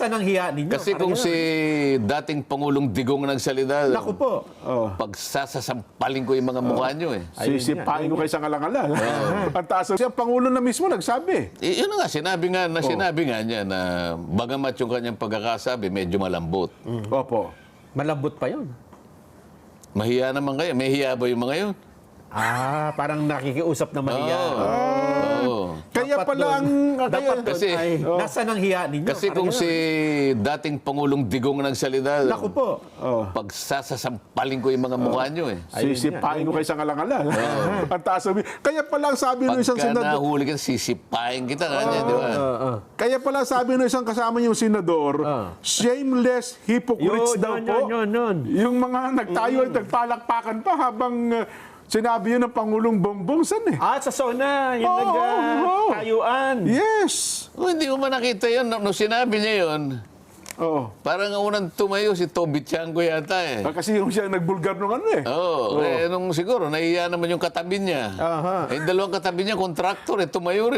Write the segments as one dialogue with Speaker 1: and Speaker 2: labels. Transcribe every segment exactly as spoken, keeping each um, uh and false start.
Speaker 1: Nasaan ang hiya ninyo?
Speaker 2: Kasi kung si dating Pangulong Digong nagsalita,
Speaker 1: Naku po.
Speaker 3: Oh.
Speaker 2: pagsasasampalin ko yung mga mukha nyo eh.
Speaker 3: Sisipain ko kayo sa ngalangalan. Ang taas. Siya, Pangulo na mismo nagsabi.
Speaker 2: Eh, yun na nga, sinabi nga, na sinabi nga niya na bagamat yung kanyang pagkakasabi, medyo malambot.
Speaker 3: Opo.
Speaker 1: Malambot pa yun.
Speaker 2: Mahiya naman kayo. May hiya ba yung mga yun?
Speaker 1: Ah, parang nakikiusap na mahiya.
Speaker 2: Oo.
Speaker 3: Kaya
Speaker 1: Dapat
Speaker 3: pala ang...
Speaker 1: doon-
Speaker 3: Kaya,
Speaker 1: Dapat doon
Speaker 2: Kasi-
Speaker 1: ay, nasaan ang hiya ninyo?
Speaker 2: Kasi kung si dating Pangulong Digong nagsalita,
Speaker 1: Naku po.
Speaker 3: oh.
Speaker 2: pagsasasampalin ko yung mga mukha nyo eh.
Speaker 3: Sisipain ko kayo sa ngalangalan. Ang taas. Kaya pala ang sabi ng isang
Speaker 2: Pagka
Speaker 3: senador...
Speaker 2: nahuli ka, sisipain kita kanya, di ba?
Speaker 3: Kaya pala sabi ng isang kasama niyong senador, shameless hypocrites
Speaker 1: Yun,
Speaker 3: daw
Speaker 1: yun,
Speaker 3: po.
Speaker 1: yun, yun, yun.
Speaker 3: Yung mga nagtayo at nagpalakpakan pa habang uh, sinabi yun ng Pangulong Bongbong San eh.
Speaker 1: Ah, sa SONA, yung
Speaker 3: Oo, oo.
Speaker 1: nag-tayuan.
Speaker 3: Yes.
Speaker 2: Oh, hindi mo man nakita yun. Nung nung sinabi niya yun,
Speaker 3: Oo.
Speaker 2: parang ang unang tumayo si Toby Tiangco yata eh.
Speaker 3: Ah, Kasi yung siya nagbulgar nung ano eh.
Speaker 2: Oo, eh, nung siguro, nahiya naman yung katabi niya.
Speaker 1: Aha.
Speaker 2: Eh, yung dalawang katabi niya, kontraktor eh, tumayo rin.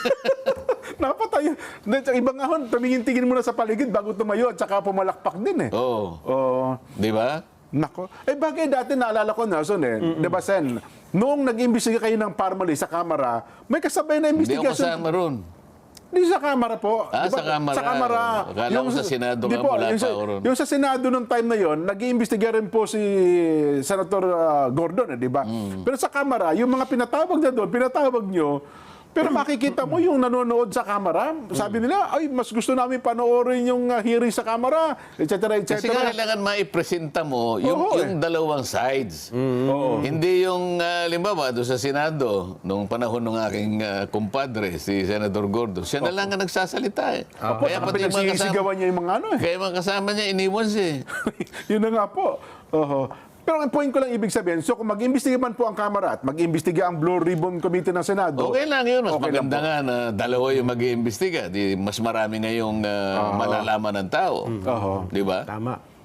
Speaker 3: Napatay. Iba nga hon, tumingin-tingin muna sa paligid bago tumayo at saka pumalakpak din eh.
Speaker 2: Oo,
Speaker 3: Oo.
Speaker 2: di ba?
Speaker 3: Nako. Eh bagay dati naalala ko Nelson eh. Di ba Sen? Noong nag-imbestiga kayo ng Parmali sa Kamara, may kasabay na
Speaker 2: Hindi ako
Speaker 3: investigation.
Speaker 2: kasama ron.
Speaker 3: Di sa Kamara po.
Speaker 2: Ah,
Speaker 3: Di ba?
Speaker 2: sa Kamara.
Speaker 3: Sa Kamara.
Speaker 2: Akala ko sa Senado
Speaker 3: di
Speaker 2: nga,
Speaker 3: po,
Speaker 2: wala
Speaker 3: yung
Speaker 2: pa
Speaker 3: sa,
Speaker 2: ako ron.
Speaker 3: yung sa Senado nung time na yon, nag-iimbestiga rin po si Senator ah, Gordon, eh, di ba?
Speaker 2: Mm.
Speaker 3: Pero sa Kamara, yung mga pinatawag na doon, pinatawag nyo, pero makikita mo yung nanonood sa Kamara, sabi nila, ay, mas gusto namin panoorin yung ah, hearing sa Kamara, et cetera, et
Speaker 2: Kasi
Speaker 3: cetera.
Speaker 2: kailangan maipresenta mo yung,
Speaker 3: Oo,
Speaker 2: yung dalawang sides. Hindi yung, uh, limbawa, doon sa Senado, nung panahon ng aking ah, kumpadre, si Senator Gordon, siya na lang ang nagsasalita eh.
Speaker 3: Opo,
Speaker 2: Kaya
Speaker 3: saka
Speaker 2: pati yung mga kasama,
Speaker 3: pinagsisigawan niya yung mga ano eh.
Speaker 2: kaya mga kasama niya, iniwan siya eh.
Speaker 3: Yun na nga po. Oho. Pero ang point ko lang ibig sabihin, so kung mag-imbestiga man po ang Kamara at mag-imbestiga ang Blue Ribbon Committee ng Senado,
Speaker 2: Okay lang yun. Mas
Speaker 3: Okay lang
Speaker 2: maganda
Speaker 3: po.
Speaker 2: nga na dalawa yung mag-iimbestiga. Di, mas marami ngayong uh, malalaman ng tao.
Speaker 3: Oho.
Speaker 2: Di ba?
Speaker 1: Tama.